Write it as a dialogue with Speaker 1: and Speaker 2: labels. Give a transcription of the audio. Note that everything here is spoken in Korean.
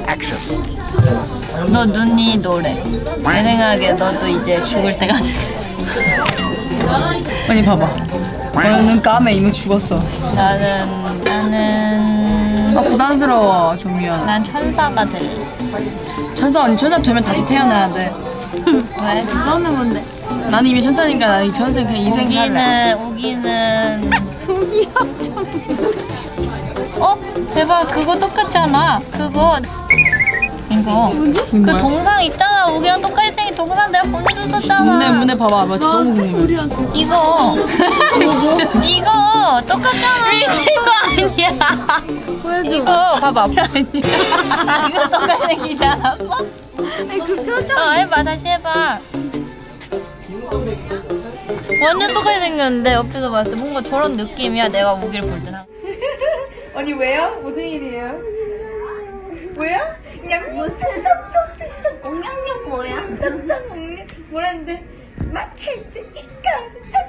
Speaker 1: 너 눈이 노래. 내 생각에 너도 이제 죽을 때가 됐어.
Speaker 2: 아니 봐봐. 너는 눈 까매 이미 죽었어.
Speaker 1: 나는
Speaker 2: 아 부담스러워 조미연.
Speaker 1: 난 천사가 될래.
Speaker 2: 천사 언니 천사 되면 다시 태어나야 돼.
Speaker 1: 왜?
Speaker 3: 너는 뭔데?
Speaker 2: 나는 이미 천사니까 나는 평생 그냥 인생 살래.
Speaker 1: 우기는 어? 대박 그거 똑같잖아. 그거 이거 그
Speaker 2: 뭐야?
Speaker 1: 동상 있잖아. 우기랑 똑같이 생긴 동상 내가 보내줬었잖아.
Speaker 2: 문에 봐봐. 나 진짜 너무 궁금해.
Speaker 1: 이거 이거 똑같잖아.
Speaker 2: 미친 거 아니야?
Speaker 3: 보여줘.
Speaker 1: 이거 봐봐. 이거 똑같이 생기지 않았어?
Speaker 3: 아니 그 표정.
Speaker 1: 해봐 다시 해봐. 완전 똑같이 생겼는데 옆에서 봤을 때 뭔가 저런 느낌이야. 내가 우기를 볼 때는.
Speaker 3: 언니 왜요? 무슨 일이에요? 왜요? 그냥 옹냥냥 뭐야? 뭐라는데 막 해주 이까스